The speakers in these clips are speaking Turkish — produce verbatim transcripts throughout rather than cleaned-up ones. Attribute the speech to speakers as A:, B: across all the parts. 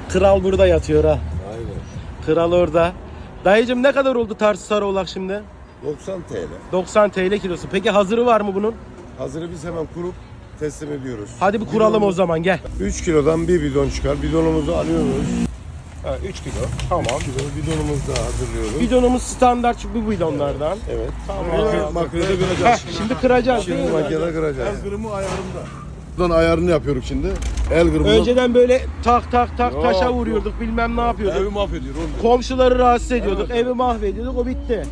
A: Kral burada yatıyor ha.
B: Aynen.
A: Kral orada. Dayıcım ne kadar oldu Tarsus Sarıoğlak şimdi?
B: doksan T L.
A: doksan T L kilosu. Peki hazırı var mı bunun?
B: Hazırı biz hemen kurup teslim ediyoruz.
A: Hadi bir kuralım o zaman, gel.
B: üç kilodan bir bidon çıkar. Bidonumuzu alıyoruz.
A: Ha, üç kilo. Tamam.
B: üç kilo bidonumuzu da hazırlıyoruz.
A: Bidonumuz standart bu bidonlardan.
B: Evet.
A: Tamam.
B: Makinede
A: Heh,
B: kıracağız.
A: şimdi kıracağız değil
B: Şimdi
A: mi?
B: makinede kıracağız.
C: El kırımı ayarında. Buradan ayarını yapıyoruz şimdi. El kırımı.
A: Önceden böyle tak tak tak
C: Yok,
A: taşa
C: yok.
A: vuruyorduk, bilmem ne yapıyorduk.
C: Evi mahvediyor oğlum.
A: Komşuları rahatsız ediyorduk, evi mahvediyorduk, o bitti.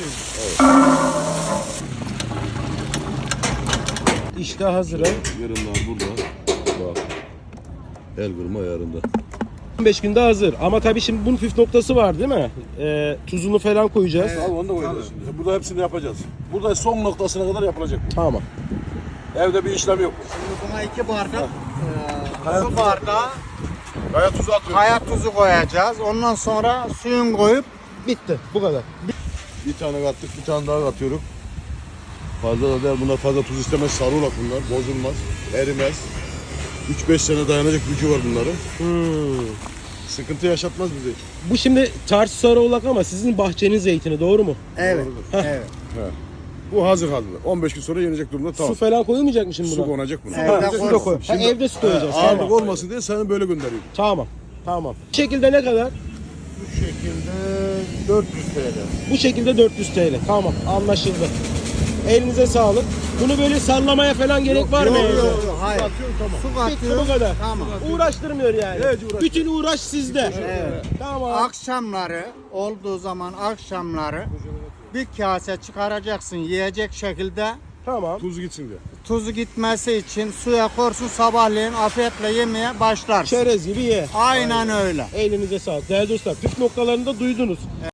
A: İşte hazırım.
C: Yarınlar burada. Bak. El kırımı ayarında.
A: on beş günde hazır. Ama tabii şimdi bunun püf noktası var değil mi? Ee, tuzunu falan koyacağız.
C: Abi onu da koyacağız şimdi. Burada hepsini yapacağız. Burada son noktasına kadar yapılacak.
A: Tamam.
C: Evde bir işlem yok.
D: Buna iki bardak
C: Kaya
D: su
C: tuzu-
D: bardağı
C: Kaya tuzu atıyoruz.
D: kaya tuzu koyacağız. Ondan sonra suyun koyup
A: Bitti. Bu kadar.
C: Bir tane kattık, bir tane daha katıyoruz. Fazla da değil, bunlar fazla tuz istemez, sarıolak bunlar, bozulmaz, erimez. üç beş sene dayanacak gücü var bunların.
A: Hmm.
C: Sıkıntı yaşatmaz bize.
A: Bu şimdi Tarsus Sarıoğlak ama sizin bahçenin zeytini, doğru mu?
D: evet.
C: Doğrudur.
D: Evet.
C: Bu hazır halde. on beş gün sonra yenecek durumda tamam.
A: Su falan koyulmayacak mı şimdi
C: Su
A: buna?
C: konacak buna.
D: Evet.
A: Ha,
D: Evde
A: su da
D: koyuyorsun.
A: koy. Ha, evde su koyacağız.
C: Ağırlık
A: Tamam.
C: olmasın diye sana böyle gönderiyorum.
A: Tamam. Tamam. Bu şekilde ne kadar?
B: Bu şekilde dört yüz T L.
A: Bu şekilde dört yüz T L. Tamam, anlaşıldı. Elinize sağlık. Bunu böyle sallamaya falan gerek var mı?
D: Yok
A: evde?
D: yok yok. Hayır.
C: Atıyorum tamam.
D: Su
A: Bitti, bu
D: katıyoruz.
A: kadar.
D: Tamam.
A: Uğraştırmıyor yani.
C: Evet, uğraştırmıyor.
A: Bütün uğraş sizde.
D: Evet.
A: Tamam.
D: Akşamları olduğu zaman akşamları bir kase çıkaracaksın yiyecek şekilde.
A: Tamam.
C: Tuz gitsin diye.
D: Tuzu gitmesi için suya korsun, sabahleyin afiyetle yemeye başlarsın.
A: Çerez gibi ye.
D: Aynen öyle.
A: Elinize sağlık. Değerli dostlar, püf noktalarını da duydunuz.